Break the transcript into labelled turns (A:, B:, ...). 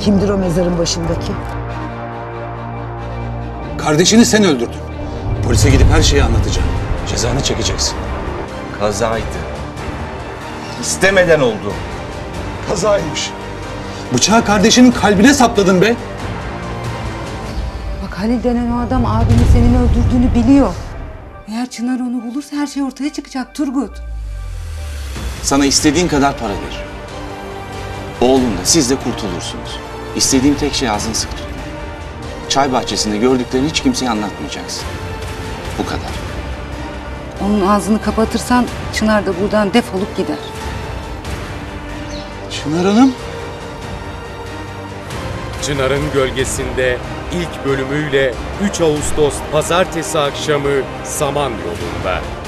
A: Kimdir o mezarın başındaki?
B: Kardeşini sen öldürdün. Polise gidip her şeyi anlatacağım. Cezanı çekeceksin.
C: Kazaydı. İstemeden oldu.
B: Kazaymış. Bıçağı kardeşinin kalbine sapladın be.
D: Bak Halil denen o adam abinin senin öldürdüğünü biliyor. Eğer Çınar onu bulursa her şey ortaya çıkacak Turgut.
C: Sana istediğin kadar para ver. Oğlumla siz de kurtulursunuz. İstediğim tek şey ağzını sık tutma. Çay bahçesinde gördüklerini hiç kimseye anlatmayacaksın. Bu kadar.
D: Onun ağzını kapatırsan Çınar da buradan defolup gider.
B: Çınar Hanım.
E: Çınar'ın Gölgesinde ilk bölümüyle 3 Ağustos Pazartesi akşamı Samanyolu'nda.